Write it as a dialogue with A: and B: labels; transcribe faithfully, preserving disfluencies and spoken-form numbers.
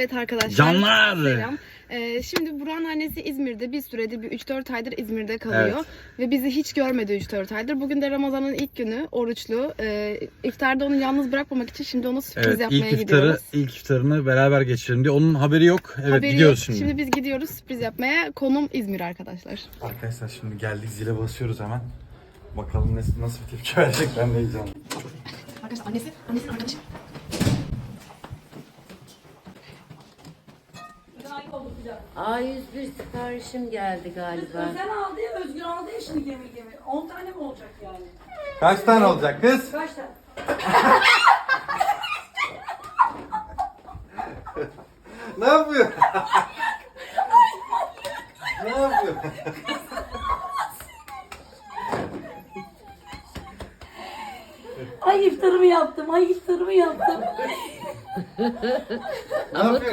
A: Evet arkadaşlar.
B: Canlar.
A: Selam. Ee, şimdi Burak'ın annesi İzmir'de, bir süredir, bir üç dört aydır İzmir'de kalıyor.
B: Evet.
A: Ve bizi hiç görmedi üç dört aydır. Bugün de Ramazan'ın ilk günü, oruçlu. Ee, iftarda onu yalnız bırakmamak için şimdi ona sürpriz
B: Evet,
A: yapmaya
B: ilk iftarı,
A: gidiyoruz.
B: ilk iftarını beraber geçirelim diye. Onun haberi yok. Evet,
A: Haberi
B: gidiyoruz
A: yok.
B: şimdi.
A: Şimdi biz gidiyoruz sürpriz yapmaya. Konum İzmir arkadaşlar.
B: Arkadaşlar şimdi geldik, zile basıyoruz hemen. Bakalım nasıl, nasıl bir tepki verecek, ben de heyecanlıyım.
A: Arkadaşlar annesi, annesinin arkadaşı.
C: A yüz bir siparişim geldi galiba.
D: Özen aldı ya, Özgür aldı ya şimdi gemi gemi. on tane mi olacak yani?
B: Kaç tane olacak kız?
D: Kaç tane?
B: Ne yapıyor? Ne yapıyor?
D: Ay iftarımı yaptım, ay iftarımı yaptım.
B: Ne yapıyor?